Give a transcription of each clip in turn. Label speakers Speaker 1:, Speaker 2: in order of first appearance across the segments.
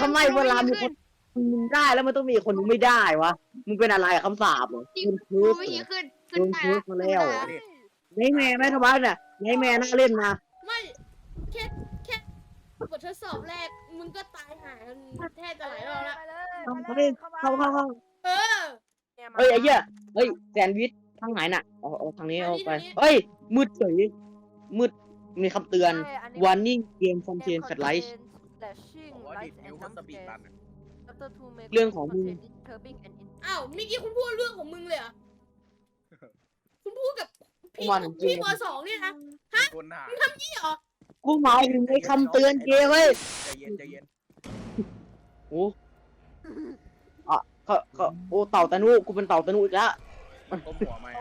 Speaker 1: ทำไมเวลามีคนมึงได้แล้วมันต้องมีคนนึงไม่ได้วะมึงเป็นอะไรคำสาปเหรอมึงเคิร์ส
Speaker 2: วิธีขึ้น
Speaker 1: โดนเคิร์สมาแล้วไนแมร์ไหมทบ้านเนี่ยไนแมร์น่าเล่นนะ
Speaker 3: ไม่แค่บททดสอบแรกมึงก็ตายหากันแทบจะหลายรอบแล้ว
Speaker 1: เข้า
Speaker 3: เออ
Speaker 1: เฮ้ยไอ้เหี้ยเฮ้ยแซนด์วิชทางไหนน่ะเอาทางนี้เอาไปเฮ้ยมืดเฉยมืดมีคำเตือน warning game contain flashlight เรื่องของมึง
Speaker 3: อ้าวเมื่อกี้คุณพูดเรื่องของมึงเลยเหรอคุณพูดกับพี่
Speaker 1: วันเกม
Speaker 3: พี่ม.2เนี่ยนะ
Speaker 4: คนหา
Speaker 3: มึงทำยี่เหรอ
Speaker 1: กูหมายถึงไอ้คำเตือนเกมเว้ย
Speaker 4: ใจเย็นใจเย็น
Speaker 1: โอ้อ่ะก็โอ้เต่าตะนุกูเป็นเต่าตะนุอีกแล้ว
Speaker 4: มันก้มหัวไหม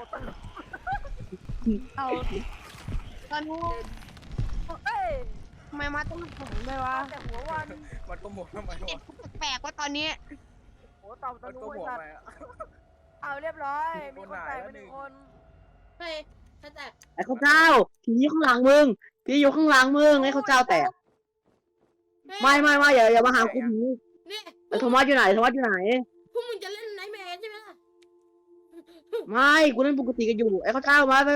Speaker 2: เอาตอนนู้นทำไมมาต้องผมด้วยวะ
Speaker 5: แต่หัววัน
Speaker 4: มันก้มหัวทำไม
Speaker 2: เจ็บ
Speaker 4: วะ
Speaker 2: แปลกว่าตอนนี้
Speaker 5: โอ้เต่าตะ
Speaker 4: มัน
Speaker 5: นุ
Speaker 4: ก้ม
Speaker 5: ไอ้
Speaker 4: หัว
Speaker 5: สัต
Speaker 4: ไหม
Speaker 5: ว์เอาเรียบร้อย มีคนตายไปหนึ่งคน
Speaker 3: เฮ้ยถ้าแต่
Speaker 1: ไอ้ข้าวเจ้าผีข้างหลังมึงผีอยู่ข้างหลังมึงไอ้ข้าวเจ้าแตกไม่อย่ามาหากูผี
Speaker 3: เนี่ย
Speaker 1: ไอ้โทมัสอยู่ไหนโทมัสอยู่ไหน
Speaker 3: พวกมึงจะเล่นไนท์แมร์ใช่ไหมล่ะ
Speaker 1: ไม่กูเล่นปกติกันอยู่ไอ้ข้าวเจ้ามาไป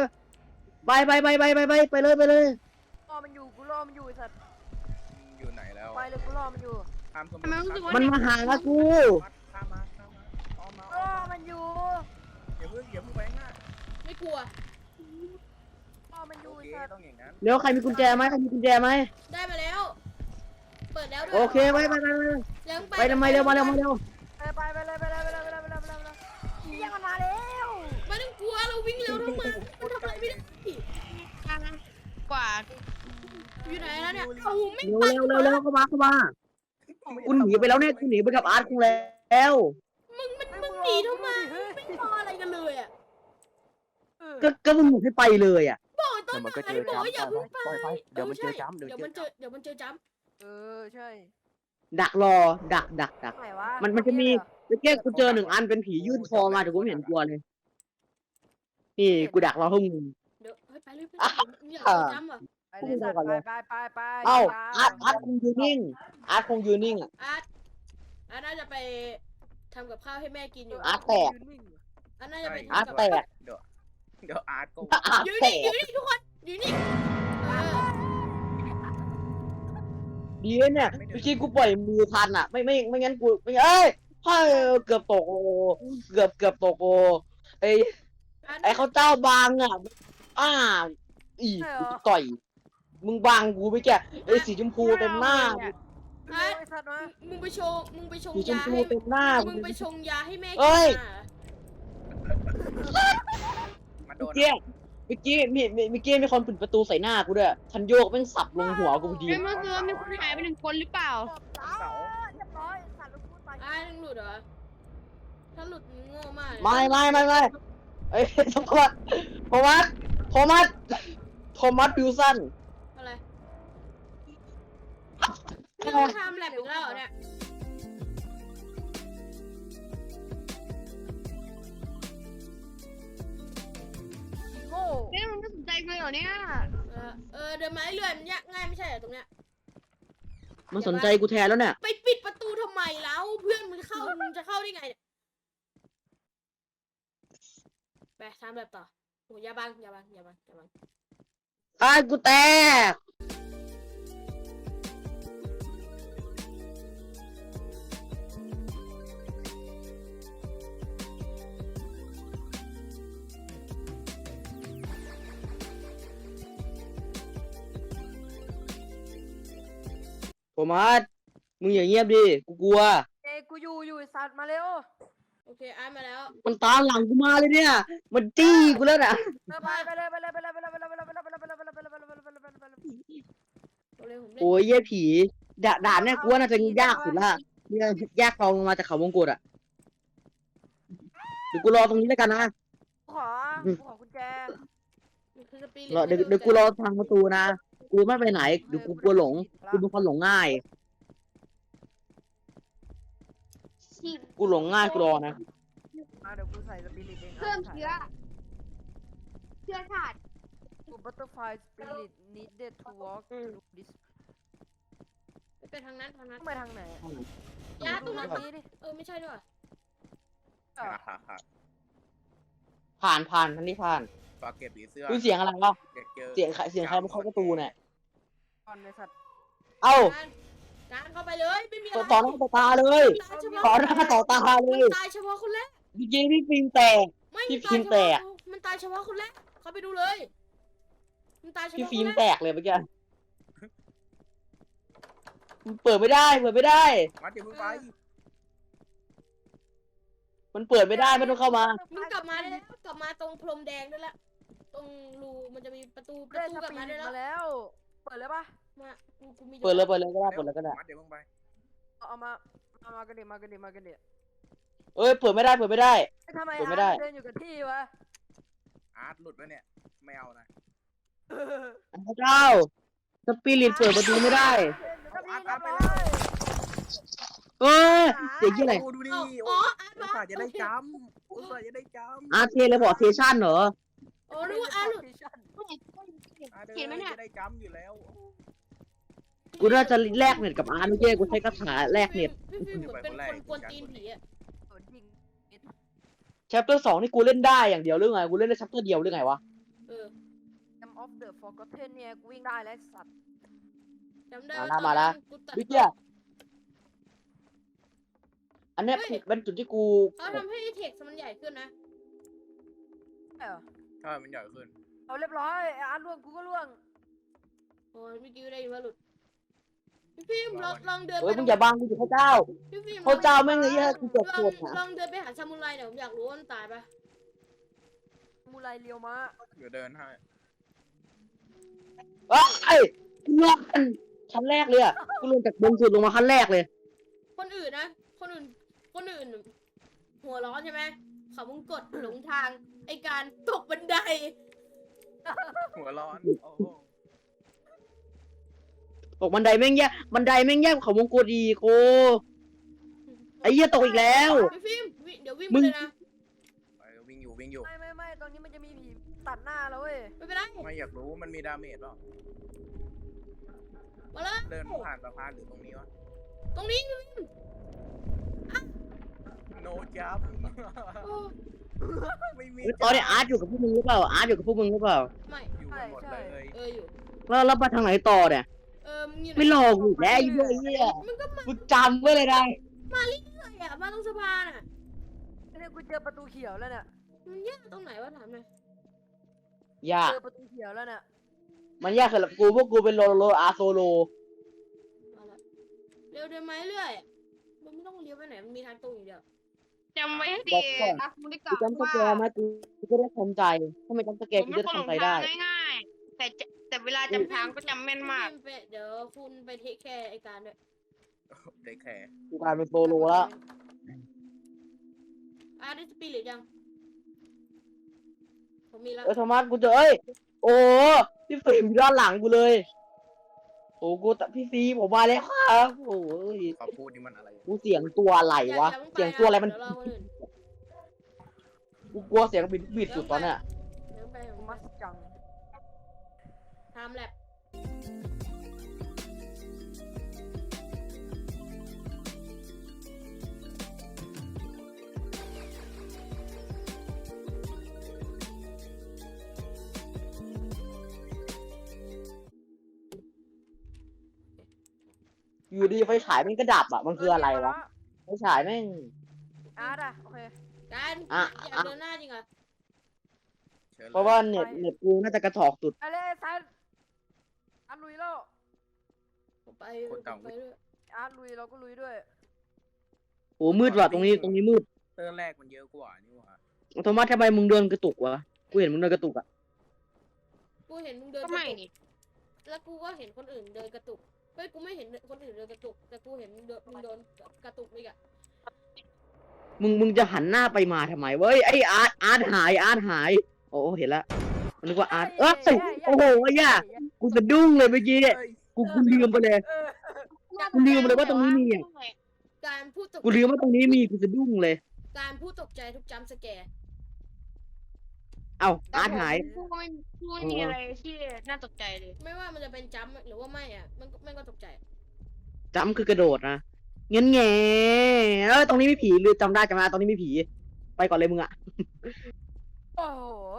Speaker 1: เลย
Speaker 5: รอมันอยู่กูรอมันอยู่ไอ้สัตว์
Speaker 4: อยู่ไหนแล้ว
Speaker 5: ไปเลยกูรอมันอยู่
Speaker 4: ข้ามสมุ
Speaker 2: ทำไมรู้สึกว่า
Speaker 1: มันมาหากู
Speaker 4: ข้ามมาออมมาร
Speaker 5: อมันอยู่
Speaker 4: อย่าเพิ่งไปง่าย
Speaker 3: ไม่กลัว
Speaker 5: รอมันอยู่
Speaker 4: โอ
Speaker 5: ไอ้
Speaker 4: เค
Speaker 5: สัตว์
Speaker 4: ต้องอย่างนั้น
Speaker 1: เร็วใครมีกุญแจไหม
Speaker 3: ได้มาแล้ว เปิดแล้วด้วย
Speaker 1: โอเคไป
Speaker 3: ยัง
Speaker 1: ไปทำไมเร็วมาเร็ว
Speaker 5: ไปเลยเรียกมันมาแล้ว
Speaker 3: ไม่ต้องกลัวเราวิ่งเร็วทั้งมันมันทำอะไรไม่ได้
Speaker 2: กว่า
Speaker 3: อยู่ไหนแล้วเนี่ยโอ้โหไม่
Speaker 1: เร็ว
Speaker 3: ไป
Speaker 1: เข้ามากูหนีไปแล้วเนี่ยกูหนีไปกับอาร์ตกูแล้ว
Speaker 3: มึงหนีทำไมไม่รออะไรกันเลยอ่ะ
Speaker 1: ก็มึงหนีให้ไปเลยอ่ะ
Speaker 3: บอกต้น
Speaker 6: เดี๋ยวมันก็
Speaker 3: ไม้
Speaker 6: เจอ
Speaker 3: บอก
Speaker 6: จ้ำ
Speaker 3: ว่าอย่าเพิ่งไป
Speaker 6: ปล่อยไปเดี๋ยวมันเจอจ้ำ
Speaker 3: เดี๋ยวมันเจอจ้ำ
Speaker 5: เออใช่
Speaker 1: ดักรอดัก
Speaker 5: ไหนวะ
Speaker 1: มันจะมีเมื่อกี้กูเจอ1 อันเป็นผียื่นคอมาแต่กูไม่เห็นกลัวเลยนี่กูดักรอห้องมึง
Speaker 3: เดี๋ยวไปเลยมึงอยากเจอจ้ำเหรอ
Speaker 5: ไปเลยสัตว์ไป
Speaker 1: เอ้าอาร์ตคงยืนนิ่งอาร์ตคงยืนนิ่งอ่ะ
Speaker 3: อาร์ตน่าจะไปทำกับข้าวให้แม่กินอยู่
Speaker 1: อาร์ตแตก
Speaker 3: อาร์ตน่าจะไป
Speaker 1: อาร์ต
Speaker 3: ทำกับ
Speaker 1: แตก
Speaker 4: เดี๋ยวอาร์ตก็
Speaker 1: อาร์ต
Speaker 3: อยู่
Speaker 1: แต
Speaker 3: นี่
Speaker 1: ก
Speaker 3: ทุกคนอยู่นี่
Speaker 1: ดีเนี่ยเมื่อกี้กูปล่อยมือทันอ่ะไม่งั้นกูไม่เอ้ยเกือบตกโอเกือบตกโอไอ้เขาเจ้าบางอ่ะอีกูต่อยมึงบางกูไม่แก่ไอ้สีชมพูเต็มหน้า
Speaker 3: อาร์ต
Speaker 5: ไอ้สัตว์วะ
Speaker 3: มึงไปชง
Speaker 1: สีชม
Speaker 3: ยา
Speaker 1: พู
Speaker 3: ให้
Speaker 1: เต็มหน้า
Speaker 3: มึงไปชงยาให้แม่
Speaker 1: เอ้
Speaker 3: กิ
Speaker 1: ย
Speaker 3: นอ่ะ
Speaker 4: มาโดน
Speaker 1: เมื่อกี้มีคนปิดประตูใส่หน้ากูด้วยทันโยกแม่งสับลงหัวกูพอดี
Speaker 2: เมื่อคืนมีคนหายไป1 คนหรือเปล่า
Speaker 5: เสาเรียบร้อยสัตว์ลูกพูดไป
Speaker 3: อาร์ตยังหลุดเหรอถ้าหลุดมึงโง่มากเลย
Speaker 1: ไม่เอ้ยโทมัสบิวสัน
Speaker 3: อะไรนี่มึงทำแลบอีกแล้วเหรอเนี่ย
Speaker 5: โง่
Speaker 2: นี่มันไม่สนใจเลยเหรอเนี่ย
Speaker 3: เดินไม้เลื่อนมันยากง่ายไม่ใช่เหรอตรงเนี้ย
Speaker 1: มันสนใจกูแทนแล้วเนี่ย
Speaker 3: ไปปิดประตูทำไมแล้วเพื่อนมึงเข้ามึงจะเข้าได้ไงเนี่ยไปทำแบบต่อโอ้ยอย่าบัง
Speaker 1: กูแตกโทมัสมึงอย่าเงียบดิกูกลัว
Speaker 5: เอ้ยกูอยู่ไอ้สัตว์มาเร็ว
Speaker 3: โอเคอาร์ตมาแล้ว
Speaker 1: มันตามหลังกูมาเลยเนี่ย มันจี้กูแล้วน่ะ
Speaker 5: ไปเลย
Speaker 3: เร็วผมเล่น
Speaker 1: โอ้ยเยี่ยผีด่านเนี่ยกูว่าน่าจะยากสุดละเนี่ยยากลงมาจากเขาวงกตอ่ะเดี๋ยวกูรอตรงนี้แล้วกันนะ
Speaker 5: ขอกุญแจ
Speaker 3: มันคือสปิริต
Speaker 1: เดี๋ยวกูรอทางประตูนะ กูไม่ไปไหนเดี๋ยวกูกลัวหลง กูเป็นคนหลงง่าย กูหลงง่ายกูรอนะ
Speaker 5: เดี๋ยวกูใส่สปิริตเอง
Speaker 2: เพิ่มเชื้อธาตุ
Speaker 5: กู butterfly spirit needed to walk through this
Speaker 3: ไปทางนั้น
Speaker 5: ต้องไปทางไหนอะ
Speaker 3: ยาตรงนั้น
Speaker 5: นี้ดิ
Speaker 3: ไม่ใช่ด้วย
Speaker 1: ผ่านทันทีผ่าน
Speaker 4: ฝากเก็บผีเสื้อ
Speaker 1: ดูเสียงอะไรวะ
Speaker 4: เด็กเจอ
Speaker 1: เสียงใครมาเคาะประตูเนี่ย
Speaker 5: ก่อนในสัตว์
Speaker 1: เอ้า
Speaker 3: การเข้าไปเลยไม่มีอะไร
Speaker 1: ต่อหน้าต่อตาเลย
Speaker 3: ตายเฉพาะ
Speaker 1: ต่อหน้าต่อตาเล
Speaker 3: มัน
Speaker 1: ย
Speaker 3: ตายเฉพาะคนแรก
Speaker 1: เมื่อกี้พี่ฟิล์มแตก
Speaker 3: ไม่
Speaker 1: พี่
Speaker 3: ตาย
Speaker 1: ฟิล์ม
Speaker 3: เฉ
Speaker 1: แต
Speaker 3: พาะ
Speaker 1: ก
Speaker 3: มันตายเฉพาะคนแรกเข้าไปดูเลยมันตายเฉ
Speaker 1: พี่
Speaker 3: พาะ
Speaker 1: ฟิ
Speaker 3: ค
Speaker 1: ล์ม
Speaker 3: นแร
Speaker 1: แต
Speaker 3: ก
Speaker 1: กเลยเมื่อกี้มันเปิดไม่ได้
Speaker 4: มัดอย่าเพิ่งไป
Speaker 1: มันเปิดไม่ได้ไม่ต้องเข้ามา
Speaker 3: มึงกลับมาได้แล้วกลับมาตรงพรมแดงได้แล้วตรงรูมันจะมีประตู
Speaker 5: ได้ส
Speaker 3: กลับ
Speaker 5: ปี
Speaker 3: มา
Speaker 5: ด
Speaker 3: ได้แล้ว
Speaker 5: มาแล้ว เปิดเลยปะ
Speaker 3: มากูมี
Speaker 1: เปิดเลยก็ได้เปิดเลยก็ได้
Speaker 4: มัดอย่าเพิ่งไป
Speaker 5: เอามากันดิมากันดิ
Speaker 1: เอ้ยเปิดไม่ได้
Speaker 5: ทำไม
Speaker 1: เปิดไม่ได้
Speaker 5: เดินอยู่กับที่วะ
Speaker 4: อาร์ตหลุดไปเนี่ยไม่เอานะ
Speaker 1: พระเจ้าสปิริตเปิดประตูไม่ได้ เอ้ยเสียงที่อะไร
Speaker 4: ดูดิ
Speaker 3: อ๋อ
Speaker 4: อุตส่าห์จะได้จำอุตส่าห์จะได้จำ
Speaker 1: อาร์เทเลพอร์เทชันเหรอ
Speaker 3: โอ้รู้ว่าอาร์หลุด
Speaker 2: เห็นไหมเนี่ย
Speaker 4: จะได้จำอยู่แล้ว
Speaker 1: กูน่าจะแลกเน็ตกับอาร์ตไม่ใช่กูใช้คาถาแลกเน็ต
Speaker 3: พี่ฟิล์มเหมือนเป็นคนกวนตีนผีอ่ะ
Speaker 1: แชปเตอร์2นี่กูเล่นได้อย่างเดียวหรือไง กูเล่นได้แชปเตอร์เดียวหรือไงวะ
Speaker 3: เออ
Speaker 5: Jam of the Forgotten เนี่ยกูวิ่งได้แล้วสัตว์
Speaker 3: จำได้
Speaker 1: มาละ
Speaker 3: กูตัด
Speaker 1: วิเจียอันเนี้ยเป็นจุดที่กู
Speaker 3: เขาทำให้เท็กซ์มันใหญ่ขึ้นนะ
Speaker 5: ใช่เหรอ
Speaker 4: ใช่มันใหญ่ขึ้น
Speaker 5: เอาเรียบร้อยไอ้อาร์ตล่วงกูก็ล่วง
Speaker 3: โอ้ยเมื่อกี้ได้ยินว่าหลุดพี่ฟิล์มลองเดิน
Speaker 1: เฮ้
Speaker 3: ไป
Speaker 1: ยมึงอย่าบังกูอยู่พระเจ้า
Speaker 3: พี่ฟิล์ม
Speaker 1: พระเจ้าแม่งไอ้เหี้ยกูเจ็บปวด
Speaker 3: ลองเดินไปหาซามูไรเดี๋ยวผมอยากรู้ว่ามันตายปะ
Speaker 5: มูไรเลียวมา
Speaker 4: เดี๋ยวเดินให้
Speaker 1: เอ้ยกูลงชั้นแรกเลยอ่ะกูลงจากบนสุดลงมาขั้นแรกเลย
Speaker 3: คนอื่นนะ คนอื่น หัวร้อนใช่ไหมเขามึงกดหลงทาง ไอการตกบันได
Speaker 4: หัวร้อนโอ้โห
Speaker 1: ตกบันไดแม่งแย่เขาวงกดอีกโคไอ้เหี้ยตกอีกแล้ว
Speaker 3: พี่ฟิล์มเดี๋ยววิ่ง
Speaker 1: มึ
Speaker 3: ไป
Speaker 1: ง
Speaker 3: เลยนะ
Speaker 4: ไปวิ่งอยู่
Speaker 5: ไม่ตรงนี้มันจะมีผีตัดหน้าแล้วเว้ย
Speaker 3: ไม่เป็นไร
Speaker 4: ไม่อยากรู้มันมีดาเมจเปล่า
Speaker 3: มาเลย
Speaker 4: เดินผ่านสะพานหรือตรงนี้วะ
Speaker 3: ตรงนี้
Speaker 4: โนจับ
Speaker 3: โอ้
Speaker 4: ไม่มี
Speaker 1: ตอนนี้อาร์ตอยู่กับพวกมึงหรือเปล่าอาร์ตอยู่กับพวกมึงหรือเปล่า
Speaker 3: ไม่
Speaker 4: อยู่กันหมดเลย
Speaker 3: อยู่
Speaker 1: แล้วไปทางไหนต่อเนี่ย
Speaker 3: มึงอยู่ไหน
Speaker 1: ไม่หลอกกูอีกแล้วไอ้เหี้ย
Speaker 3: มึงก็มา
Speaker 1: กูจำไว้เลยได้
Speaker 3: เลยอ่ะมาตรงสะพานอ่ะ
Speaker 5: เนี่ยกูเจอประตูเขียวแล้วเนี่ย
Speaker 3: มันยากตรงไหนวะถามหน่อย
Speaker 1: ยาก
Speaker 5: เจอประตูเขียวแล้วเนี่ย
Speaker 1: มันยากสำหรับกูพวกกูเป็นโลอาโซโล
Speaker 3: เอาละเร็วเดินมาเรื่อยมันไม่ต้องเลี้ยวไปไหนมันมีทางตรงอย่างเดียว
Speaker 2: จำไว้ให้ดีนะคุณได้ก
Speaker 1: กู
Speaker 2: ล่าว
Speaker 1: จำส
Speaker 2: ว่า
Speaker 1: แกร์มากูก็ได้ทำใจถ้าไม่จำสแก
Speaker 2: ผ
Speaker 1: ร์
Speaker 2: ม
Speaker 1: กู
Speaker 2: เป็
Speaker 1: จะ
Speaker 2: นคนหล
Speaker 1: ทำใจ
Speaker 2: ง
Speaker 1: ได้
Speaker 2: ทางง่ายๆแต่เวลาจำทางก็จำแม่นมาก
Speaker 3: เดี๋ยวคุณไปเทคแคร์ไอการด้วย
Speaker 4: ได้แค่
Speaker 1: กูกลายเป็นโซโลแล้ว
Speaker 3: ได้สปิริตยังผมมีแล้ว
Speaker 1: โทมัสกูเจอโอ้พี่ฟิล์มอยู่ด้านหลังกูเลยโอ้กูพี่ฟิล์มผมมาแล้วครับโอ้ย
Speaker 4: ขอพูดนี่มันอะไร
Speaker 1: กูเสียงตัวอะไรวะเสียงตัวอะไรมัน
Speaker 3: เดี๋ยวรอคนอื่น
Speaker 1: กูกลัวเสียงบิดสุดตอนเนี้ย
Speaker 3: เดี๋ยวไปผม
Speaker 5: มัสจัง
Speaker 3: ทำแลบ
Speaker 1: อยู่ดีไฟฉายมันก็ดับอ่ะมันคืออะไรวะไฟฉายแม่ง
Speaker 5: อาร์ตอะโอเค
Speaker 3: การ
Speaker 1: อ่ะ
Speaker 3: อยากเดินหน้าจริงเหรอ
Speaker 4: เชิญเลย
Speaker 1: เพราะว่าเน็ตกูน่าจะกระถอกสุด
Speaker 5: ไปเลยซันอาร์ตลุยแล้ว
Speaker 3: ผมไปด้วย
Speaker 5: อาร์ตลุยเราก็ลุยด้วย
Speaker 1: โอ้มืดว่ะตรงนี้มืด
Speaker 4: เตอร์แรกมันเยอะกว่านี่หว่า
Speaker 1: โทมัสทำไมมึงเดินกระตุกวะกูเห็นมึงเดินกระตุกอ่ะ
Speaker 3: กูเห็นมึงเดิน
Speaker 2: ก็
Speaker 3: กระ
Speaker 2: ไม่
Speaker 3: ตุก
Speaker 2: นี่
Speaker 3: แล้วกูก็เห็นคนอื่นเดินกระตุกเฮ้ยกูไม่เห็นคนอื่นเดินกระตุกแต่กูเห็นมึงโดนกระตุกอีกอะ
Speaker 1: มึงจะหันหน้าไปมาทำไมเว้ยไอ้อาร์ตหายโอ้เห็นละมันนึกว่าอาร์ตโอ้โหไอ้ย่ากูสะดุ้งเลยเมื่อกี้
Speaker 4: เฮ้ย
Speaker 1: กูลืมไปเลย กูลืมเลยว่าตรงนี้มีอ่ะ
Speaker 3: การพูดตก
Speaker 1: กูลืมว่าตรงนี้มีกูสะดุ้งเลย
Speaker 3: การพูดตกใจทุกจัมป์สแกร์
Speaker 1: เอ้าอาร์ตหาย
Speaker 2: พูดไม่มีอะไรที่น่าตกใจเลย
Speaker 3: ไม่ว่ามันจะเป็นจัมป์หรือว่าไม่อ่ะมันก็ตกใจ
Speaker 1: จำคือกระโดดนะเงี้ยแง่ตรงนี้ไม่ผีหรือจำได้ตรงนี้ไม่ผี ไปก่อนเลยมึงอะ
Speaker 5: โอ้โห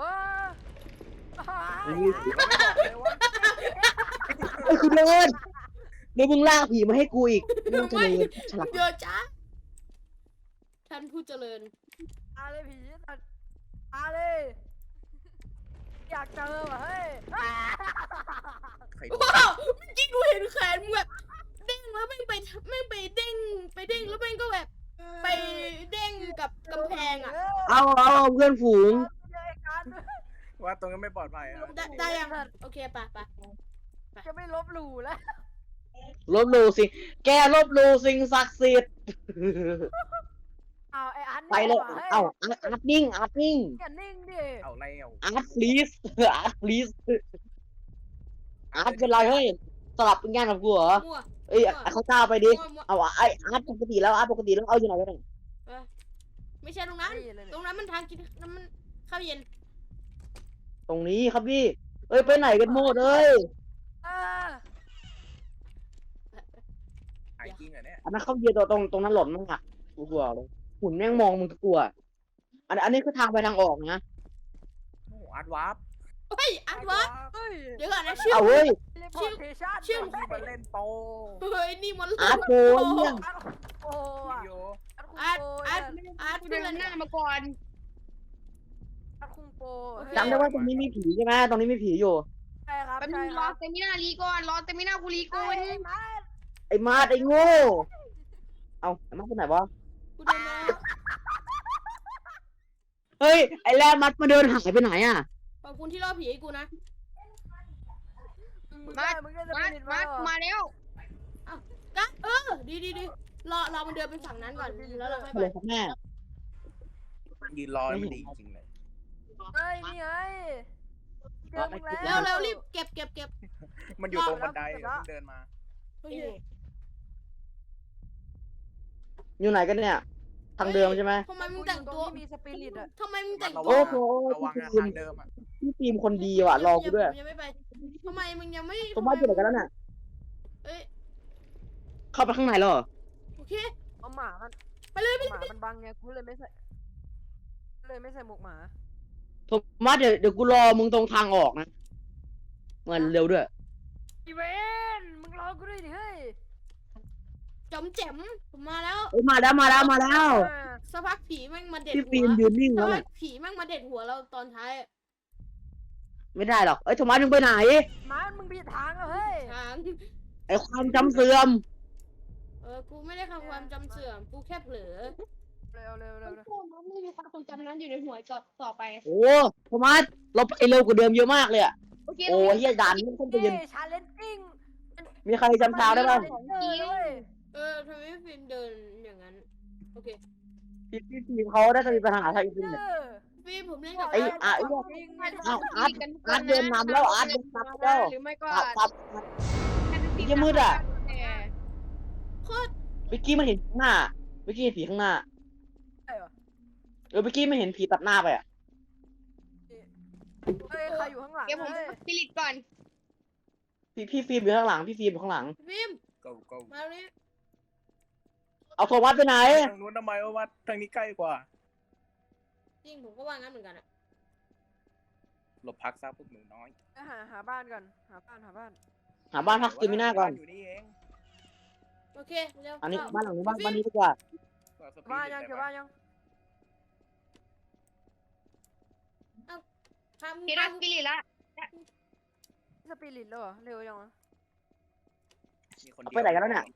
Speaker 1: ตรงนี้ไม่ผี
Speaker 4: ไม่บอกเลยว่า
Speaker 1: ไอ้คุณเดินเดี๋ยวมึงลากผีมาให้กูอีกมึงจะเลยฉลาด
Speaker 3: เดี๋ยวจ้าท่านผู้เจริญ
Speaker 5: อาเลยผีสัตว์อาเลยอยากเจอว่ะเฮ้ย
Speaker 4: ใครโดน
Speaker 3: ว้าวเมื่อกี้กูเห็นแขนมึงแบบเด้งแล้วแม่งไปเด้งแล้วแม่งก็แบบไปเด้งกับกำแพงอ่ะ
Speaker 1: เอาเพื่อนฝูง
Speaker 5: เจอไอ้กัน
Speaker 4: ว่าตรงนั้นไม่ปลอดภัยอะ
Speaker 3: ได้ยังโอเคไป
Speaker 5: จะไม่ลบหลู่แล้ว
Speaker 1: ลบหลู่สิแกลบหลู่สิ่งศักดิ์สิทธิ์
Speaker 5: เอาไอ้อัน
Speaker 1: ไปเลยอาร์ตนิ่ง
Speaker 5: อย่านิ่งดิ
Speaker 4: เอาแล้ว
Speaker 1: อาร์ต please อาร์ต please อาร์ตเป็นไรเฮ้ยสลับเป็นงานกับกูเหรอ
Speaker 3: มั่ว
Speaker 1: เอ้ยเขาเจ้าไปดิ
Speaker 3: มั่ว
Speaker 1: เอาไอ้อาร์ตปกติแล้วเอาอยู่ไหนกันเนี่ย
Speaker 3: ไม่ใช่ตรงนั้น
Speaker 5: นี่เลย
Speaker 3: ตรงนั้นมันทางกินน้ำมันข้าวเย็น
Speaker 1: ตรงนี้ครับพี่เอ้ยไปไหนกันหมดเอ้ย
Speaker 5: เออ
Speaker 4: ไอ้จริงเหรอเนี่ย
Speaker 1: อันนั้นเขาเยียตรงนั้นหล่นมากกูกลัวเลยหุ่นแม่งมองมึงก็กลัวอันนี้คือทางไปทางออกนะ
Speaker 4: โอ้อาร์ตวาร์ป
Speaker 3: เฮ้ยอัดวะ
Speaker 5: เฮ้ย
Speaker 3: เดี๋ยวก่อนนะชื่อ
Speaker 1: เอาเว้ย
Speaker 5: เรียกพอร์เทชั่น
Speaker 3: ชื่อ
Speaker 4: ที่มาเล่นโป
Speaker 3: เฮ้ยนี่มัน
Speaker 1: อาร์ตโกเนี่ย
Speaker 5: โอ้อะ
Speaker 4: โย
Speaker 5: อัด
Speaker 3: อาร์ต
Speaker 5: คุง
Speaker 3: อาร์ต
Speaker 2: กู
Speaker 3: เพื่
Speaker 2: เดิ
Speaker 3: อน
Speaker 2: นหน้ามาก่อน
Speaker 5: อัดคุงโป
Speaker 1: จำได้ว่าตรงนี้มีผีใช่ไหมตรงนี้มีผีอยู่
Speaker 5: ใช่ครับ
Speaker 2: แป๊บนึ
Speaker 5: ใช่
Speaker 2: ง
Speaker 5: ค
Speaker 2: รอ
Speaker 5: รับ
Speaker 2: เตมินารีก่อนรอเตมินากูรีก่อน
Speaker 1: ไอ้มาดไอ้โง่เอาไอ้มาดไปไหนวะ
Speaker 3: กูเดินมา
Speaker 1: เฮ้ยไอ้แรมัดมาเดินหายไปไหนอ่ะ
Speaker 3: ขอบคุณที่ล่อผีให้กูนะ
Speaker 5: มึงได้จะ
Speaker 2: มา
Speaker 5: เป็น
Speaker 2: มามาแล้ว
Speaker 3: กะดีรอมันเดินไปฝั่งนั้นก่อนแล้วเราค่อย
Speaker 1: อะไร
Speaker 3: ไป
Speaker 1: ครับแม่
Speaker 4: ยืนรอมันดีจริงเลย
Speaker 5: เฮ้ยนี่ไงเจอมึง
Speaker 3: แล้วรีบเก็บ
Speaker 4: มันอยู่ตรงบันไดเพิ่งเดินมา
Speaker 3: โอเค
Speaker 1: อยู่ไหนกันเนี่ยทางเดิมใช่ไหม
Speaker 3: ทำไมมึงแต่งตัว
Speaker 5: มีสปิริตอะ
Speaker 3: ทำไมมึงแต่ง
Speaker 4: ระ
Speaker 3: ตัว
Speaker 4: วั
Speaker 1: โอ้
Speaker 4: ง
Speaker 1: โห
Speaker 4: ระวังอะทางเดิมอะ
Speaker 1: พี่ฟิล์มคนดีว่ะรอกูด้วย
Speaker 3: ยังไม่ไปทำไมมึงยังไม่
Speaker 1: ตรงบ้านอยู่ไหนกันแล้วน่ะ
Speaker 3: เอ้ย
Speaker 1: เข้าไปข้างในแล้วเหรอ
Speaker 3: โอเค
Speaker 5: เอาหมามัน
Speaker 3: ไปเลย
Speaker 5: หมามันบังไงกูเลยไม่ใส่หมวกหมา
Speaker 1: โทมัสเดี๋ยวกูรอมึงตรงทางออกนะเงินเร็วด้วย
Speaker 5: อีเวนมึงรอกูด้วยดิเฮ้ย
Speaker 3: จอมแจ๋มผมมาแล้ว
Speaker 1: เอ้ยมาแล้ว
Speaker 3: สักพักผีแม่งมาเด็ด
Speaker 1: พี่
Speaker 3: หั
Speaker 1: ฟิล์ม
Speaker 3: ว
Speaker 1: ยืนนิ่ง
Speaker 3: สั
Speaker 1: แล้
Speaker 3: ก
Speaker 1: ว
Speaker 3: พั
Speaker 1: น่ะ
Speaker 3: กผีแม่งมาเด็ดหัวเราตอนท้าย
Speaker 1: ไม่ได้หรอกเอ้ยโทมัสมึงไปไหน
Speaker 5: หมามึงผิดทางอะเฮ้ย
Speaker 3: ทาง
Speaker 1: ไอ้ความจำเสื่อม
Speaker 3: กูไม่ได้ทำความจำเสื่อมกูแค่เผลอ
Speaker 5: เร็ว
Speaker 2: ไม่มีความทรงจำนั้นอยู่ในหัวต่อไป
Speaker 1: โอ้โทมัสเราไปเร็วกว่าเดิมเยอะมากเลยอ่ะ
Speaker 2: โอเค
Speaker 1: โอ้เฮียด่านนี้ต้องไปยืน
Speaker 5: ชาเลนจิ้ง
Speaker 1: มีใครจำทางได้บ้าง
Speaker 3: ทำไมฟิล์มเดินอย่างนั้นโอเค
Speaker 1: พี่ฟิล์มเขาได้จะมีปัญหาทางอินเทอร์เน็ต
Speaker 3: ฟิล์มผมเล่นกับ
Speaker 1: ไอ้อาร์ตเดินนำแล้วอาร์ตเดินนำแล้ว
Speaker 2: หรือไม่ก็
Speaker 1: ตับ ยังมืดอะ
Speaker 3: โคตร
Speaker 1: เมื่อกี้มันเห็นข้างหน้าเมื่อกี้เห็นผีข้างหน้า
Speaker 5: ใช่เหรอ
Speaker 1: เมื่อกี้ไม่เห็นผีตัดหน้าไปอ่ะ
Speaker 5: เฮ้ยใครอยู่ข้างหลัง
Speaker 2: เดี๋ยวผม
Speaker 5: เฮ้ย
Speaker 2: สปิริตก่อน
Speaker 1: พี่ฟิล์มอยู่ข้างหลังพี่ฟิล์มอยู่ข้างหลัง
Speaker 3: ฟิล์ม
Speaker 4: go
Speaker 3: มาเลย
Speaker 1: เอาโทมัสไปไหน
Speaker 4: ทางนู้นทำไมว่าทางนี้ใกล้กว่า
Speaker 3: จริงผมก็ว่างั้นเหมือนกันอะ
Speaker 4: หลบพักซะพวกหนูน้อย
Speaker 5: หาบ้านก่อนหาบ้าน
Speaker 1: หาบ้านพักสเตมิน่าก่อน
Speaker 4: อยู่นี่เอง
Speaker 3: โอเคเร็ว
Speaker 1: อันนี้บ้านหลังนี้บ้านนี้ดีกว่า
Speaker 5: บ้านยังเจอบ้านยัง
Speaker 3: ทำ
Speaker 2: เดี๋ยวได้สปิริตละ
Speaker 5: สปิริตแล้วเหรอเร็วยังวะ
Speaker 4: มีคนเดียว
Speaker 1: ไปไหนกันแล้วเนี่ย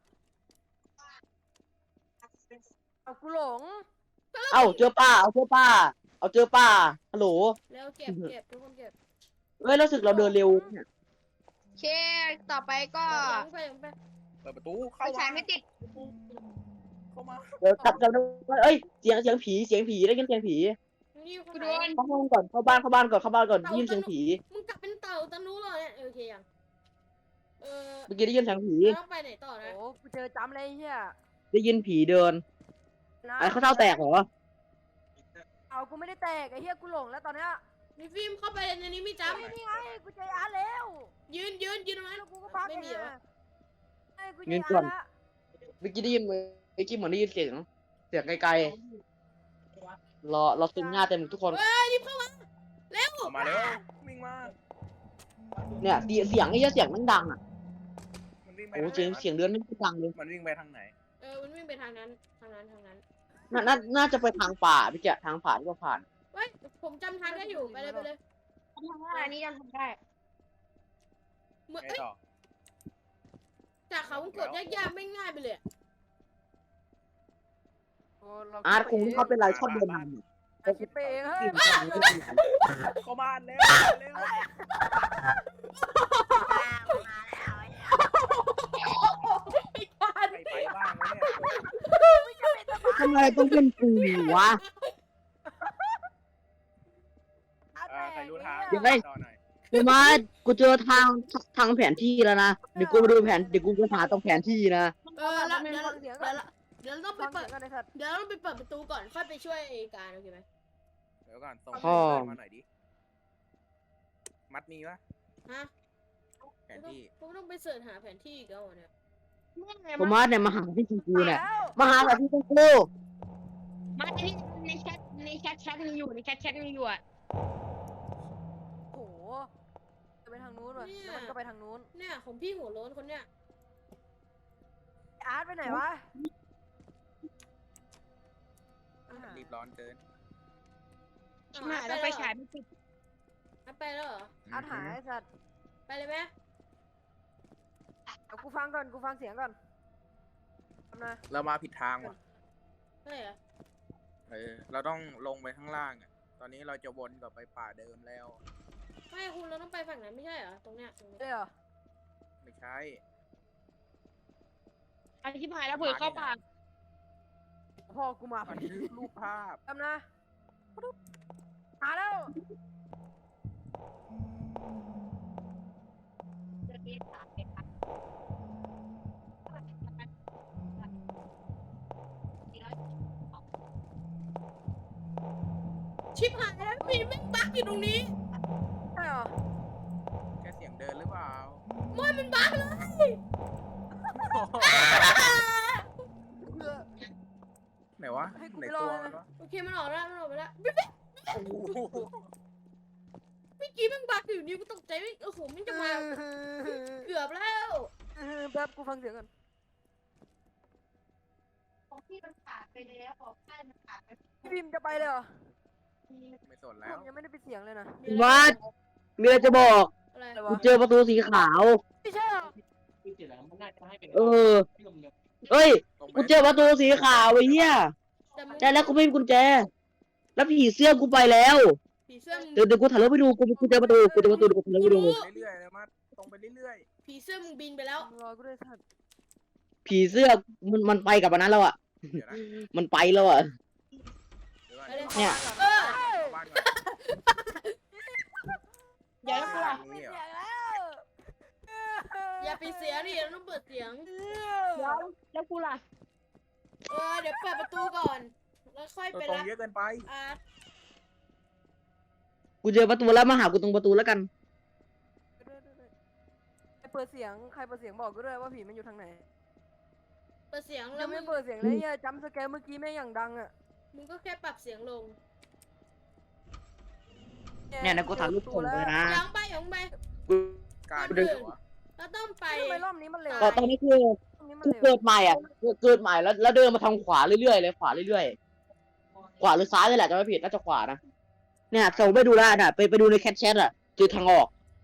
Speaker 5: เอากูหลง
Speaker 1: เอ้าเจอป้าเอาเจอป้าฮัลโหล
Speaker 3: แล้วเก็บทุกคนเก็บ
Speaker 1: เฮ้ยรู้สึกเราเดินเร็วเนี่ย
Speaker 2: โอเคต่อไปก็
Speaker 3: ไป
Speaker 4: เปิดประตู
Speaker 2: ไฟ
Speaker 4: เข้า
Speaker 2: ฉา
Speaker 4: มา
Speaker 2: ยไม่ติด
Speaker 4: เข้ามา
Speaker 1: เดี๋ยวจับเอ้ยเสียงผีได้ยินเสียงผี
Speaker 3: นี่ค
Speaker 2: กู
Speaker 3: น
Speaker 2: โด
Speaker 3: ไหน
Speaker 2: น
Speaker 1: เข้าห้องก่อนเข้าบ้านก่อนได้ยินเสียงผี
Speaker 3: มึงกลับเป็นเต่าตะนุเหรอเนี่ยโอเคยัง
Speaker 1: เมื่อกี้ได้ยินเสียงผี
Speaker 3: ต้องไปไหนต่อนะ
Speaker 5: โอ้กูเจอจำเลยเฮีย
Speaker 1: ได้ยินผีเดินไอ้เขาเท้าแตกเหรอ
Speaker 5: เอากูไม่ได้แตกไอ้เฮียกูหลงแล้วตอนเนี้ย
Speaker 3: มีฟิล์มเข้าไปในนี้ไม่จำ
Speaker 5: นี่ไงกูเจออาร์แล้ว
Speaker 3: ยืนตรงนั้น
Speaker 5: แล้วกูก็พัก
Speaker 3: ไม่มีเหรอ
Speaker 5: ไอ้กูเจออาร์ละ
Speaker 1: เมื่อกี้ได้ยินเมื่อกี้เหมือนได้ยินเสียงไกลๆรอซึมหน้าเต็มทุกคน
Speaker 3: เฮ้ยรีบเข้ามาเร็ว
Speaker 4: เข้ามาเร็ววิ่งมา
Speaker 1: เนี่ยเสียงไอ้เหี้ยเสียงมันดังอ่ะ
Speaker 4: มันวิ่งไป
Speaker 1: โอ้
Speaker 4: ทาง
Speaker 1: เสียง
Speaker 4: ไหน
Speaker 1: เสียงเดือนไม่ดังเลย
Speaker 4: มันวิ่งไปทางไหน
Speaker 3: มันวิ่งไปทางนั้นทางนั้น
Speaker 1: น่าจะไปทางป่าพี่แกทางผ่านก็ผ่าน
Speaker 3: เฮ้ยผมจำทางได้อยู่ไปเลย
Speaker 2: ทำได้อันนี้ยังทำได้
Speaker 3: เหมือน
Speaker 4: ไงต่อ
Speaker 3: จากเขาวงกดยากๆไม่ง่ายไปเลย
Speaker 5: โอ้เรา
Speaker 1: อาร์ตคงเขาเป็นไรชอบเดินทาง
Speaker 5: เราคิดไปเองเฮ้ย
Speaker 4: เข้าบ้านเร็วเร็ว
Speaker 3: ไม่ทัน
Speaker 4: ไปบ้างแล้วเนี่ย
Speaker 1: ทำไมต้องเป็นกูวะ
Speaker 4: ใครรู้ทาง
Speaker 1: เดี๋ยวไป
Speaker 4: ต่อหน่อย
Speaker 1: กูมากูเจอทางแผนที่แล้วนะเดี๋ยวกูไปดูแผนเดี๋ยวกูไปหาตรงแผนที่นะ
Speaker 3: แล้ว
Speaker 5: เดี๋
Speaker 3: เดี๋ยวเราต้องไป
Speaker 5: ฟัง
Speaker 3: เปิ
Speaker 5: เสี
Speaker 3: ด
Speaker 5: ยงกันไอ้สัตว์
Speaker 3: เดี๋ยวเราต้องไปเปิดประตูก่อนค่อยไปช่วยการโอเคไหม
Speaker 4: เดี๋ยวก่อนส่ง
Speaker 1: พ่อ
Speaker 4: มาหน่อยดิ มัดมีปะ
Speaker 3: ฮะ
Speaker 4: แผนที่
Speaker 3: ผมต้องไปเสิร์ชหาแผนที่อีกแล้วเนี่ย
Speaker 1: ผมมาเนี่ยมาหาที่กูเนี่ย
Speaker 5: แล้ว
Speaker 1: มาหาแบบที่กู
Speaker 2: มาที่ในแชทมีอยู่ในแชทมีอยู่อ่ะ
Speaker 5: โอ้โหจะไปทางนู้นว่ะแล้วมันก็ไปทางนู้น
Speaker 3: เนี่ยของพี่หัวโล้นคนเนี้ย
Speaker 5: อาร์ตไปไหนวะ
Speaker 4: รีบร้อนเกิน
Speaker 2: ชิบหายแล้วไปฉายไม่ติด
Speaker 3: ไปแล้วเหรอ
Speaker 5: อาร์ตหายไอ้สัตว์
Speaker 3: ไปเลยไหม
Speaker 5: เอากูฟังก่อนกูฟังเสียงก่อนทำนะ
Speaker 4: เรามาผิดทางว่ะ
Speaker 3: ใช่เหรอ
Speaker 4: เราต้องลงไปข้างล่างอ่ะ ตอนนี้เราจะวนกลับไปป่าเดิมแล้ว
Speaker 3: ไม่คุณเราต้องไปฝั่งนั้นไม่ใช่เหรอตรงเนี้ย
Speaker 5: ได้เหรอ
Speaker 4: ไม่ใช่
Speaker 2: อันที่หายแล้วเปิดเข้าป่า
Speaker 5: พ่อกูมาพอ
Speaker 4: มัน
Speaker 5: ดี
Speaker 4: คือรูปภาพ
Speaker 5: ทำนะมาแล้ว
Speaker 3: ชิบหายแล้วพี่แม่งบั๊กอยู่ตรงนี้
Speaker 5: ใช่เหรอ
Speaker 4: แค่เสียงเดินหรือเปล่า
Speaker 3: มันบั๊กเลย
Speaker 4: ไหนวะ
Speaker 5: ให้กู
Speaker 4: ไหน
Speaker 5: ไปรอ
Speaker 4: ตัว
Speaker 5: เลย
Speaker 4: มันวะ
Speaker 3: โอเคมันออกแล้วไปแล้ว
Speaker 4: โอ้โห
Speaker 3: เมื่อกี้แม่งบั๊กอยู่นี่กูตกใจโอ้โหมันจะมาเกือบแล้ว
Speaker 5: แป๊บกูฟังเสียงก่อน
Speaker 2: ที่มันขาดไปแล้วบอกให้มันขาดไป
Speaker 5: พี่พิมจะไปเลยเหรอ
Speaker 4: ไม่สน
Speaker 5: ผ
Speaker 4: แล้ว
Speaker 5: มยังไม่ได้ไปเสียงเลยนะ
Speaker 1: มามีอะไรจะบอก
Speaker 3: อะไร
Speaker 5: อะไร
Speaker 1: กู
Speaker 5: วะ
Speaker 1: เจอประตูสีขาว
Speaker 5: ไม่ใช่เหรอ
Speaker 1: เออเอ้ย
Speaker 4: ตรงไป
Speaker 1: กูเจอประตูสีขาวไอ้เหี้ย
Speaker 3: แต่มึง
Speaker 1: ได้แล้วกูไม่มีกุญแจ แล้วผีเสื้อกูไปแล้ว
Speaker 3: ผีเสื้อมึง
Speaker 1: เดี๋ยวกูถ่ายรูปไปดูกูเจอประตูกูเจอประตูกูถ่ายรูปไปดู
Speaker 4: เรื่อยๆเลยมาตรงไปเรื่อย
Speaker 3: ผีเสื้อมึงบินไปแล้ว
Speaker 5: รอกูด้วยสัตว์
Speaker 1: ผีเสื้อมันไปกับอันนั้นแล้วอ่ะ
Speaker 4: ๆ เดี๋ยวนะ
Speaker 1: มันไปแล้วอ่ะ
Speaker 4: เดี๋ยวก่อน
Speaker 3: ไปเลย
Speaker 1: เนี่ย
Speaker 3: เออ
Speaker 4: เข้าบ้านก่อน
Speaker 2: เดี๋ยวกูล่ะ
Speaker 4: นี่เหรอ
Speaker 5: เสียงแล้ว
Speaker 3: อย่าปิดเสียงดิเราต้องเปิดเสียง
Speaker 2: แล้วกูล่ะ
Speaker 3: เดี๋ยวเปิดประตูก่อน แล้วค่อย
Speaker 4: ตัว
Speaker 3: ไป
Speaker 4: ตรง
Speaker 3: รับ
Speaker 4: เยอะเกินไป
Speaker 3: อาร์ต
Speaker 1: กูเจอประตูแล้วมาหากูตรงประตูแล้วกัน
Speaker 5: ใครเปิดเสียงใครเปิดเสียงบอกกูด้วยว่าผีมันอยู่ทางไหน
Speaker 3: เปิดเสียง
Speaker 5: ยั
Speaker 3: แล้ว
Speaker 5: ง
Speaker 3: มึ
Speaker 5: ไม่
Speaker 3: ง
Speaker 5: เปิดเสียงเลยเนี่ยจำสแกร์เมื่อกี้แม่งอย่างดังอ่ะ
Speaker 3: มึงก็แค่ปรับเสียงลง
Speaker 1: เนี่ยนะกูถ่ายรูปส่งไปนะ
Speaker 3: ยังไปยังไป
Speaker 4: การ
Speaker 1: กู
Speaker 4: เดิ
Speaker 1: เดิ
Speaker 4: น
Speaker 1: น
Speaker 4: วะ
Speaker 3: เราต้องไป
Speaker 5: ทำไมรอบนี้มันเร็ว
Speaker 1: ก็ตอนนี้คือ
Speaker 5: รอบนี้มัน
Speaker 1: กู
Speaker 5: เร็ว
Speaker 1: เกิดใหม่อ่ะเกิดใหม่แล้วเดินมาทางขวาเรื่อยๆเลยขวาเรื่อยๆขวาหรือซ้ายนี่แหละจะไม่ผิดน่าจะขวานะเนี่ยส่งไปดูได้น่ะไปดูในแคทแชทอ่ะเจอทางออก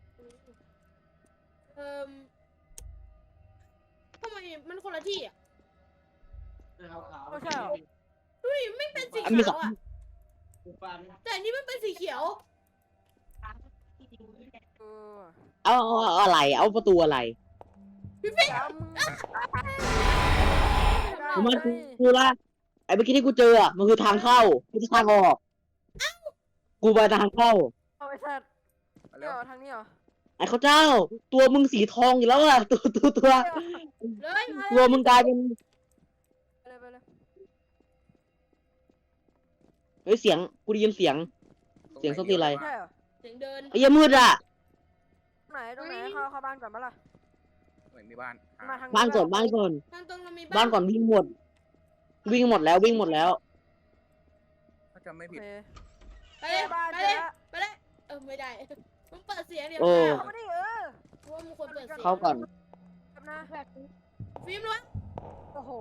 Speaker 3: ทำไมมันคนละที่อ่ะ
Speaker 5: ไม่ใช่เหรอ
Speaker 3: ดูดิไม่เป็นสี
Speaker 1: มีส
Speaker 3: ขา
Speaker 1: อ
Speaker 3: ว
Speaker 1: ง
Speaker 3: อ่ะ แต่อันนี้มันเป็นสีเขียว
Speaker 5: เออ
Speaker 1: เอาอะไรเอาประตูอะไร
Speaker 5: จำ
Speaker 1: ผมว่ากูละไอ้เมื่อกี้ที่กูเจออ่ะมันคือทางเข้าไม่ใช่ทางออกกูไปทางเข้า
Speaker 5: เอาไปสัตว์
Speaker 4: มา
Speaker 5: เดี๋
Speaker 4: เร็
Speaker 5: ยว
Speaker 4: ว
Speaker 5: ทางนี้เหรอ
Speaker 1: ไอ้เขาเจ้า ตัวมึงสีทองอยู่แล้วอ่ะตัว
Speaker 3: เลยมา
Speaker 1: ตัวมึงกลายเป็น
Speaker 5: ไปเลยไปเลย
Speaker 1: เฮ้ยเสียงกูได้ยินเสียง เสียงส้นตีนอะไร
Speaker 5: ใช่เหรอ
Speaker 3: เสียงเดิน
Speaker 1: ไอ้เหี้ยมืดอ่ะ
Speaker 5: ตรงไหนเข้าบ้านก่อนปะล่ะ
Speaker 4: เหมือนมีบ้าน
Speaker 5: มาทาง
Speaker 1: บ้านก่อนบ้านก่อน
Speaker 3: ทางตรงเรามี
Speaker 1: บ้านก่อนวิ่งหมด วิ่งหมดแล้ววิ่งหมดแล้ว
Speaker 4: ถ้าจะไม่
Speaker 5: โอ
Speaker 4: ผิด
Speaker 5: เค
Speaker 3: ไปเลย
Speaker 5: บ้าน
Speaker 3: ไป
Speaker 5: เจ
Speaker 3: เล
Speaker 5: อย ละ
Speaker 3: ไปเลยไม่ได้มึงเปิดเสียงเดี๋ยว
Speaker 1: โอ้
Speaker 5: เข้ามาดิเออ
Speaker 3: เพราะว่ามึงควรเปิดเสียง
Speaker 1: เข้าก่อน
Speaker 5: ครับนะ
Speaker 3: ฟิล์มล้วน
Speaker 5: โอ้โห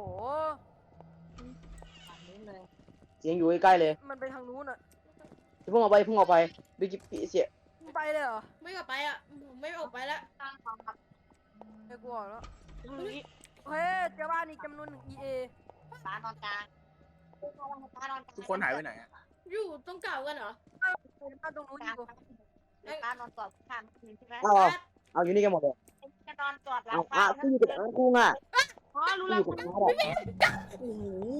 Speaker 1: เสียงอยู่ใกล้ๆเลย
Speaker 5: มันไปทางนู้นอ่ะ
Speaker 1: เพิ่งออกไปเพิ่งออกไปบิ๊กเสีย
Speaker 5: มึงไปเลยเหรอ
Speaker 3: ไม่กลับไปอ่ะผมไม่ออกไปแล้ว
Speaker 5: ไอ้กูออกแล้วโอเคเจอบ้านอีกจำนวนหนึ่ง EA
Speaker 2: ตานอนกลาง
Speaker 4: ทุกคนหายไปไหนอะ
Speaker 3: อยู่ตรงเก่ากันเหรอ
Speaker 5: บ้านตรงนู้น
Speaker 2: ก
Speaker 5: อ
Speaker 2: ลาง
Speaker 5: ยู่
Speaker 2: ตานอนกอดข้างคืนใช่ไหม
Speaker 1: เอาอยู่นี่กันหมดเลย
Speaker 2: จะนอนกอดหลั
Speaker 1: เอา
Speaker 2: ง
Speaker 1: กูอยู่กับอาร์ตกูอ่ะ
Speaker 2: อ๋อรู้
Speaker 1: กู
Speaker 2: แล้
Speaker 1: อ
Speaker 2: ว
Speaker 1: ยู่กับอาร์ตอ่ะ
Speaker 4: โอ้โห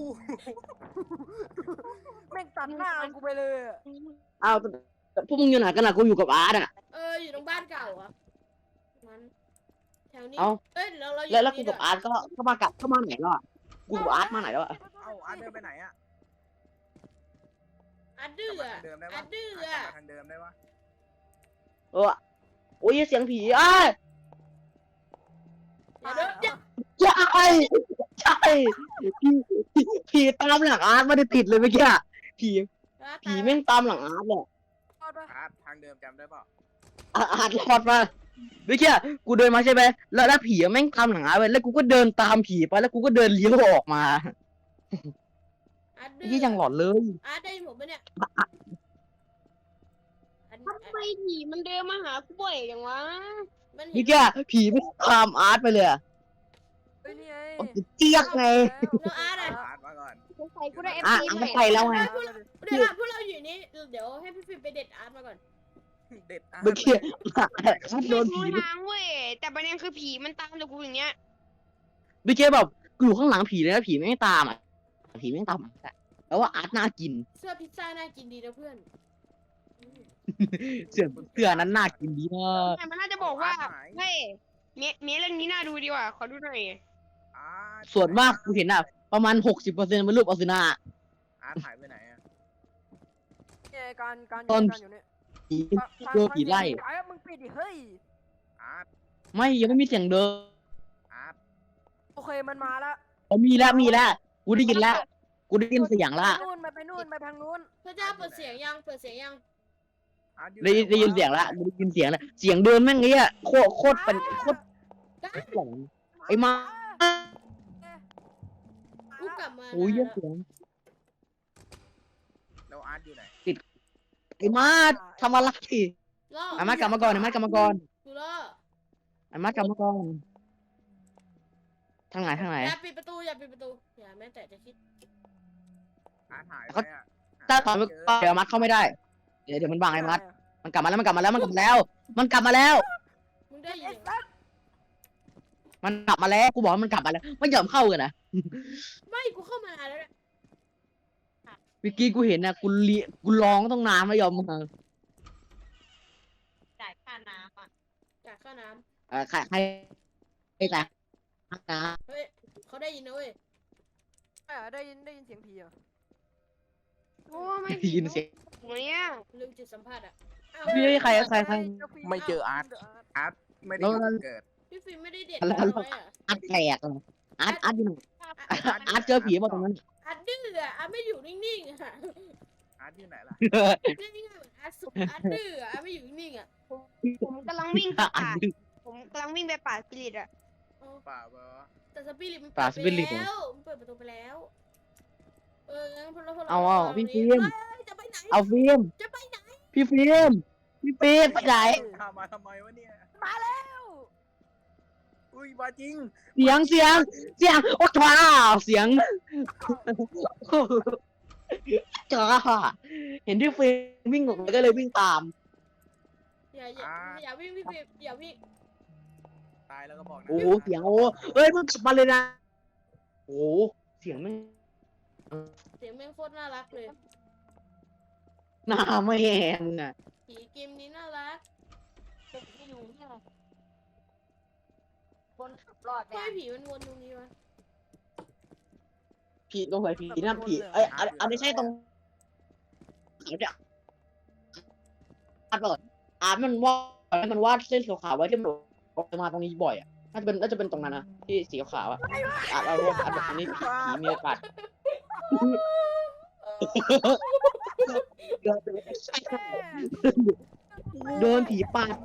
Speaker 5: แม่งตัดหน้ากูไปเลยอะ
Speaker 1: เอาแต่พวกมึงอยู่ไหนกันอ่ะกูอยู่กับอาร์ตอ่ะ
Speaker 3: อยู่ตรงบ้านเก่าอ่ะมันแถวนี้
Speaker 1: เอ้า
Speaker 3: เอ้ยเราอยู่
Speaker 1: แล้วกู
Speaker 3: นี่
Speaker 1: กับอาร์ตก็มากลับเข้ามาไหนแล้วอ่ะกูกับอาร์ตมาไหนแล้วอ่ะ
Speaker 4: เอ้าอาร์ตเดินไปไหนอะ
Speaker 3: อัดดื้อก
Speaker 4: ลับมา
Speaker 3: อะ
Speaker 4: ทางเดิมได้
Speaker 3: อั
Speaker 4: ปะ
Speaker 3: ดดื้อ
Speaker 4: อาร์ตกลับ
Speaker 3: อะ
Speaker 4: มาทางเดิมได้ปะ
Speaker 1: เออโอ้ยเสียงผีอ้าย
Speaker 3: เดี๋ยวเดี๋ยว
Speaker 1: ใช่ใช่ผีตามหลังอาร์ตไม่ได้ติดเลยเมื่อกี้อะผีแม่งตามหลังอาร์ตเลย
Speaker 5: รอดปะ
Speaker 4: อาร์ตทางเดิมจำได้เปล่า
Speaker 1: อาร์ตรอดมาเมื่อกี้กูเดินมาใช่ไหมแล้วผีแม่งตามหลังอาร์ตไปแล้วกูก็เดินตามผีไปแล้วกูก็เดินเลี้ยวออกมา
Speaker 3: อัดดื้อ
Speaker 1: ยี่ยังหลอนเลย
Speaker 3: อาร์ตได้ยินผมปะเนี่ยอัด
Speaker 2: ทำไมผีมันเดินมาหากูบ่อยอย่างวะ
Speaker 3: มันเห็
Speaker 1: เมื่อน กี้ผีไม่ตามอาร์ตไปเลยอะ
Speaker 5: เฮ้ยนี่ไง
Speaker 1: เจี๊ยกไง
Speaker 3: แล้วอาร์ตอะ
Speaker 4: อาร์ตมาก่อน
Speaker 2: สงสัยกูได้เอฟ
Speaker 1: อ่ะ
Speaker 2: ซี
Speaker 1: อาร์ต
Speaker 2: ใหม่
Speaker 1: ไปแล้วไง
Speaker 3: เดี๋ยวพวกเราอยู่นี่เดี๋ยวให้พี่ฟิล์มไปเด็ดอาร์ตมาก่อน
Speaker 4: เด็ดอาร์ต
Speaker 1: เมื่อกี้อาร์ตโด
Speaker 2: ไม่
Speaker 1: น
Speaker 2: รู้
Speaker 1: ผี
Speaker 2: ทางเว้ยแต่ประเด็นคือผีมันตามแต่กูอย่างเงี้ย
Speaker 1: เมื่อกี้แบบกูอยู่ข้างหลังผีเลยนะผีไม่ตามอ่ะผีไม่ตามอะแล้วว่าอาร์ตน่ากิน
Speaker 3: เสื้อพิซซ่าน่ากินดีนะเพื่อน
Speaker 1: เสื้อนั้นน่ากินดีมาก
Speaker 2: แต่มันน่าจะบอกว่าเฮ้ยเมียเรื่องนี้น่าดูดีว่ะขอดูหน่อย
Speaker 4: อาร์ต
Speaker 1: ส่วนมากกูเห็นอ่ะประมาณ 60%เป็นรูปอสุนา
Speaker 4: อาร์ตหายไปไหนอะ
Speaker 5: นี่ไงการ
Speaker 1: ตอน
Speaker 5: อยู่เนี่ย
Speaker 1: ผีเจอผีไล่
Speaker 5: ไอ้มึงปิดดิเฮ้ย
Speaker 4: อาร์ต
Speaker 1: ไม่ยังไม่มีเสียงเดิน
Speaker 4: อาร์ต
Speaker 5: โอเคมันมาละ
Speaker 1: มีแล้วกูได้ยินแล้วกูได้ยินเสียงละ
Speaker 5: ไปนู่นไปทางนู้น
Speaker 3: พระเจ้าเปิดเสียงยังเปิดเสียงยัง
Speaker 4: อาร์ตอยู่
Speaker 1: ได้ยินเสียงละได้ยินเสียงละเสียงเดินแม่งเงี้ยโคตรเป็นโคตรหลงไอ้มา
Speaker 3: กูกลับมา
Speaker 1: โอ้ย
Speaker 3: นาน
Speaker 1: เสียง
Speaker 4: แล้วอาร์ตอยู่ไหน
Speaker 1: ไอ้มาทำอะไร
Speaker 3: ล่อ
Speaker 1: ไอ้มากลับมาก่อนไอ้มากลับมาก่อน
Speaker 3: กูล่อ
Speaker 1: ไอ้มากลับมาก่อนทางไหน
Speaker 3: อย่าปิดประตูอย่าปิดประตูอย่าแม้แต่จะคิด
Speaker 4: อาร์ตหายไปอะ
Speaker 1: ถ้าตอนไม่เดี๋ยวมัดเข้าไม่ได้เดี๋ยวมันบังไอ้มัดมันกลับมาแล้วมันกลับมาแล้วมันกลับมาแล้วมันกลับมาแล้ว
Speaker 3: มึงได้ยิ
Speaker 5: ไอ้
Speaker 3: น
Speaker 5: สัส
Speaker 1: มันกลับมาแล้วกูบอกว่ามันกลับมาแล้วไม่ยอมเข้ากันนะ
Speaker 3: ไม่กูเข้ามานานแล้วเนี่ย
Speaker 1: เมื่อกี้กูเห็นนะกูร้องต้องน้ำไม่ยอมมา
Speaker 2: จ่ายค่าน้ำอ่ะ
Speaker 3: จากค่าน้
Speaker 1: ใครแต่นะ
Speaker 3: ำเฮ้ยเขาได้ยินนะเว้ย
Speaker 5: ได้ยินเสียงผีเหรอ
Speaker 2: โอ้ไม่
Speaker 1: ได้ยินเสียง
Speaker 2: เนี่ย
Speaker 3: ลืมจิตสัมผัสอ่ะอ้าว
Speaker 1: พี่ใคร
Speaker 4: ไม่เจออาร์ตอาร์ตไม่ได้อยู่จุดเกิด
Speaker 3: พี่ฟิล์มไม่ได้เด็ด
Speaker 1: แล้ว
Speaker 3: น้อยอ่ะ
Speaker 1: อัดแตกเลยอัดอยู่ไหนอัดเจอผีป่ะตรงนั้น
Speaker 3: อัดดื้ออ่ะอัดไม่อยู่นิ่งๆอ่ะ
Speaker 4: อาร์ตอยู่ไหนล่ะ
Speaker 3: นี่ไงเหมือนอัดสุดอัดดื้ออ่ะอัดไม่อยู่นิ่งๆอ่ะ
Speaker 2: ผมกำลังวิ่งไป
Speaker 1: อัด
Speaker 2: ป่า
Speaker 1: ดื้อ
Speaker 2: ผมกำลังวิ่งไปป่าสปิริตอ่ะ
Speaker 4: เปล่าบอ
Speaker 3: แต่สปิริตมัน
Speaker 1: ป่า
Speaker 3: เปิด
Speaker 1: สปิริต
Speaker 3: ไป
Speaker 1: เหรอ
Speaker 3: แล้วมันเปิดประตูไปแล้วงั้นพวกเรา
Speaker 1: เอาพี่ฟิล์ม
Speaker 3: เฮ้ยจะไปไหน
Speaker 1: เอาฟิล์ม
Speaker 3: จะไปไหน
Speaker 1: พี่ฟิล์มไปไหน
Speaker 4: ตามมาทำไมวะเนี่ย
Speaker 5: มาแล้ว
Speaker 4: อุ้ยมาจริง
Speaker 1: เสียงโอ้ว้าวเสียงจ้าเห็นที่ฟิล์มวิ่งออกไปก็เลยวิ่งตาม
Speaker 3: อย่าวิ่งพี่ฟิล์มอย่าวิ่ง
Speaker 4: ตายแล้วก็บอกนะ
Speaker 1: โอ้เสียงโอ้เอ้ยมึงกลับมาเลยนะโอ้เสียงไม่
Speaker 3: เสียงแม่งโคตรน่ารักเลย
Speaker 1: หน้าไม่แหงอ่ะ
Speaker 3: ผีเกมนี้น่ารัก
Speaker 2: ไม่อยู่เนี่ยคนขับรอด
Speaker 3: ทำไม
Speaker 2: เนี่ย
Speaker 3: ผีมันวนตรงนี้วะ
Speaker 1: ผีตรงไหนผีนั่นผีเอ้ยอันนี้ใช่ตรงเดี๋ยวอัดก่อนมันวาดเส้นขาวๆไว้ที่มันออกมาตรงนี้บ่อยอ่ะน่าจะเป็นตรงนั้นนะที่สีขาวๆอ่ะเอาอันนี้ผีมีโอกาสโดนผีปาด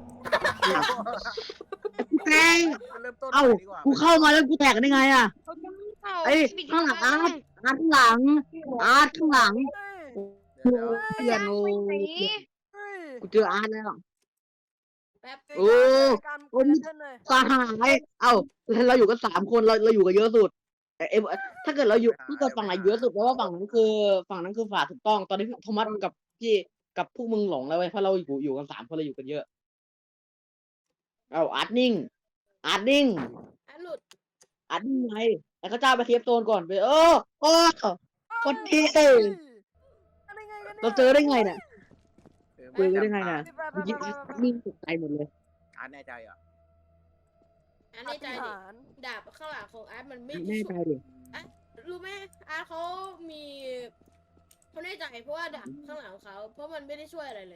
Speaker 1: แทง
Speaker 4: เริ่มต้น
Speaker 1: เอ้า
Speaker 4: ดีกว่า
Speaker 1: กูเข้ามาแล้วกูแตกได้ไงอ่ะไอ้ข้างหลังอาร์ตข้างหลังอาร์ตข้างหลัง
Speaker 4: เดี๋ยว
Speaker 1: เปลี่ยนโอ้
Speaker 2: สี
Speaker 1: กูเจออาร์ตแล้ว
Speaker 3: แป๊บ
Speaker 1: โอ้ สหายเอ้าเราอยู่กัน3 คนเราอยู่กันเยอะสุดเอ็มถ้าเกิดเราอยู่ถ้าเกิดฝั่งไหนเยอะสุดแปลว่าฝั่งนั้นคือฝ่ายถูกต้องตอนนี้โทมัสกับพี่กับพวกมึงหลงแล้วเว้ยเพราะเราอยู่กัน3 คนเราอยู่กันเยอะเอ้าอาร์ตนิ่งอาร์ตนิ่ง
Speaker 3: อ่ะหลุด
Speaker 1: อาร์ตนิ่งไงแต่เขาเจ้าไปเทปโซนก่อนไปคนดีเราเจอได้ไงเนี่ยเจอได้ไงเนี่ยเมื่อกี้อาร์ตนิ่งตกใจหมดเลย
Speaker 4: อาร์ตแน่ใจอ่ะ
Speaker 3: อันในใจดิดาบข้างหลังของอาร์ตมันไม่
Speaker 1: แน่ใจดิ
Speaker 3: รู้ไหมอาร์ตเขามีเขาแน่ใจเพราะว่าดาบข้างหลังของเขาเพราะมันไม่ได้ช่วยอะไรเลย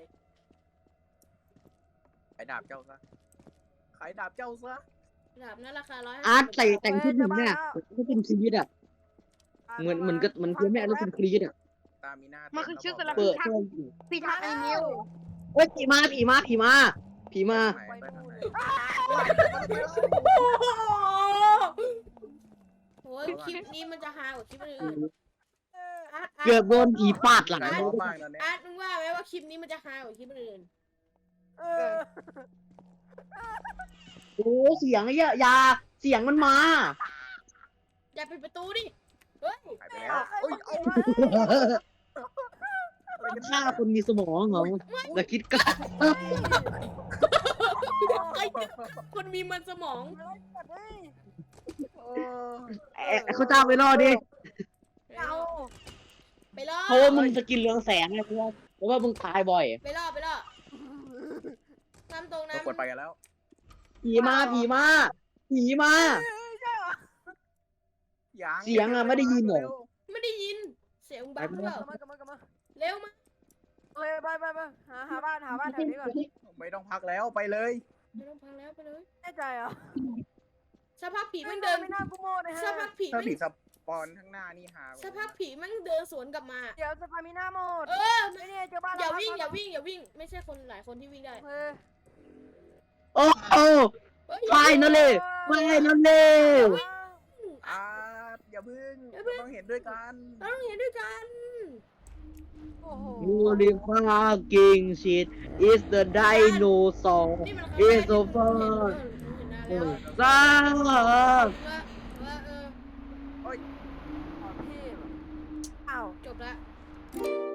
Speaker 4: ขายดาบเจ้าซะขายดาบเจ้าซะ
Speaker 3: ดาบนั้นราคา
Speaker 1: อาร์ต
Speaker 3: 150
Speaker 1: แต่งชุดหนึ่งเนี่ยก็เป็นคลีดอ่ะเหมือนคือแม่เราเป็นคลีดอ่ะ
Speaker 4: ตามีหน้า
Speaker 2: มันคือชื่อสลับ
Speaker 1: เปิด
Speaker 2: พี่ทักไอ้นิว
Speaker 1: เฮ้ยผีมา
Speaker 4: ไปทางไหน
Speaker 3: โอ้ยคลิปนี้มันจะฮากว่าคลิปอื่นอาร์ต
Speaker 1: เกือบโดนผีปาดหลัง
Speaker 4: ใจร้อนมากตอนเนี้ย
Speaker 3: อาร์ตมึงว่าไหมว่าคลิปนี้มันจะฮากว่าคลิปอื่น
Speaker 1: โอ้เสียงไอ้ยาเสียงมันมา
Speaker 3: อย่าปิดประตูดิเฮ้ย
Speaker 4: หายไปแล้วเอ้ยเอา
Speaker 1: ฆ่าคนมีสมองเหรอแต่คิดกล้า
Speaker 3: ไอ้คนมีมันสมอง
Speaker 1: เขาจ้างไปรอดดิ
Speaker 5: เอา
Speaker 3: ไปล่อ
Speaker 1: เพราะว่ามึงสกินเรืองแสงไงเพราะว่ามึงตายบ่อย
Speaker 3: ไปล่อตามตรงนะ
Speaker 4: กดไปกันแล้ว
Speaker 1: ผีมา
Speaker 4: ยัง
Speaker 1: เสียงอะไม่ได้ยินเหรอ
Speaker 3: ไม่ได้ยินเสียงบังหรือเปล่าก
Speaker 5: ลับมากลับมา
Speaker 3: เร็วมา
Speaker 5: เลยไปหาบ้านแถวนี้ก่อน
Speaker 4: ไม่ต้องพักแล้วไปเลย
Speaker 3: ไม่ต้องพังแล้วไปเลย
Speaker 5: แน่ใจเหรอ
Speaker 3: สักพักผีมันเดิน
Speaker 5: ไม่น่ากูโม่เลยฮะ
Speaker 3: สักพักผี
Speaker 4: ถ้า
Speaker 3: มัน
Speaker 4: ผีสปอนข้างหน้านี่หา
Speaker 3: สักพักผีมันเดินสวนกลับมา
Speaker 5: เดี๋ยวสปามิน่าโหมด
Speaker 3: เออ
Speaker 5: ไม่เนี่ยเจอบ้าน
Speaker 3: อย่าวิ่งไม่ใช่คนหลายคนที่วิ่งได้
Speaker 5: เฮ้ย
Speaker 1: โอ้โห
Speaker 3: เฮ้ย
Speaker 1: ไปนั่นเลย
Speaker 4: อาร์ตอย่าพึ่งเราต้องเห็นด้วยกัน
Speaker 3: เราต้องเห็นด้วยกัน
Speaker 5: โอ้โห
Speaker 1: Holy fucking shit is the dinosaur
Speaker 3: นี่มัน
Speaker 1: is so far
Speaker 3: เห็นหน้าแล้ว
Speaker 1: ซ่า
Speaker 3: ว่า
Speaker 5: ขอเทพอ้าว
Speaker 3: จบละ